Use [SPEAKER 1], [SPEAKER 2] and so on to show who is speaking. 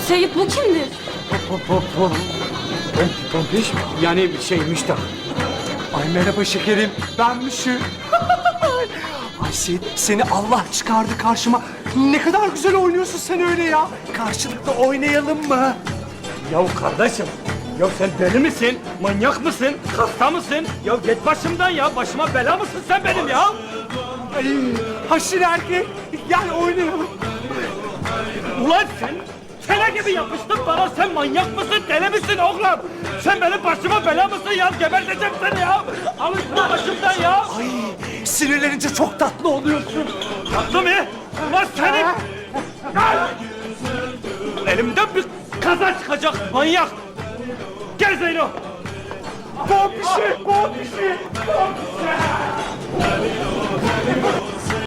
[SPEAKER 1] Seyit bu kimdir?
[SPEAKER 2] Pompiş mi? Yani Müştak. Ay merhaba şekerim, ben Müşü. Ay Seyit, seni Allah çıkardı karşıma. Ne kadar güzel oynuyorsun sen öyle ya. Karşılıklı oynayalım mı?
[SPEAKER 3] Ya kardeşim, ya sen deli misin? Manyak mısın? Hasta mısın? Ya git başımdan ya. Başıma bela mısın sen benim ya?
[SPEAKER 2] Ay, haşin erkek, gel oynayalım.
[SPEAKER 3] Ulan sen kele gibi yapıştın bana. Sen manyak mısın? Deli misin oğlum? Sen benim başıma bela mısın ya? Geberteceğim seni ya. Alın şunu başımdan ya.
[SPEAKER 2] Ay, sinirlenince çok tatlı oluyorsun.
[SPEAKER 3] Tatlı mı? Ulan senin... Elimden bir kaza çıkacak manyak. Gel Zeyno.
[SPEAKER 2] Pompişi, pompişi, pompişi.